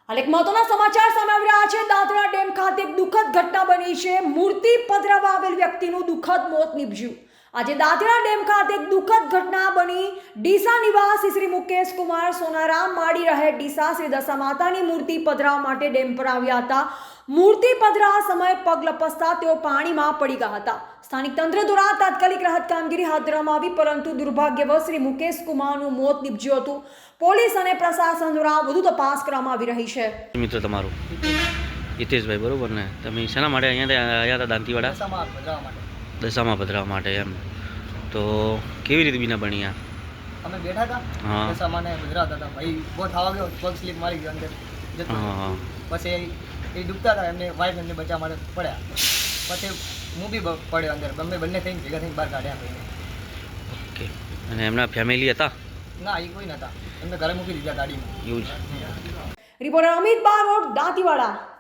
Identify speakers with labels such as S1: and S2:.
S1: હાલ એક મહત્વના સમાચાર સામે આવી રહ્યા છે. દાદરા ડેમ ખાતે એક દુઃખદ ઘટના બની છે. મૂર્તિ પધરાવવા આવેલ વ્યક્તિનું દુઃખદ મોત નીપજ્યું. આજે દાદરા ડેમ ખાતે એક દુઃખદ ઘટના બની. ડીસા નિવાસી શ્રી મુકેશ કુમાર સોનારામ માળી રહે ડીસા શ્રી દશા માતાની મૂર્તિ પધરાવવા માટે ડેમ પર આવ્યા હતા. મૂર્તિ પધરાવવા સમયે પગ લપસતા તેઓ પાણીમાં પડી ગયા હતા. સ્થાનિક તંત્ર દ્વારા તાત્કાલિક રાહત કામગીરી હાથ ધરવામાં આવી, પરંતુ દુર્ભાગ્યવશ શ્રી મુકેશ કુમારનું મોત નીપજ્યું હતું. પોલીસ અને પ્રશાસન દ્વારા વધુ તપાસ કરવામાં આવી રહી છે.
S2: મિત્ર તમારું હિતેશભાઈ, બરોબર ને? તમે શેના માટે અહીંયા આવ્યા હતા? દાંતીવાડા દશામાં પધરાવવા માટે એમ. તો કેવી રીતે બીના બની આ?
S3: અમે બેઠા હતા,
S2: હા,
S3: દશામાને પધરાવતા હતા. ભાઈ બહુ થવા ગયો, પગ સ્લીપ મારી ગયો અંદર જતો.
S2: હા,
S3: પછી એ ડૂબતા હતા, એમને વાઈફ એમને બચાવવા માટે પડ્યા. પછી હું બી પડ્યો અંદર. અમે બંને થઈને ભેગા થઈને બહાર કાઢ્યા ભાઈને.
S2: ઓકે. અને એમના ફેમિલી હતા?
S3: ના, એ કોઈ નહોતા. એમને ઘરે મૂકી દીધા ગાડીમાં.
S2: એવું જ.
S1: રિપોર્ટર અમિત બારોટ, દાંતીવાડા.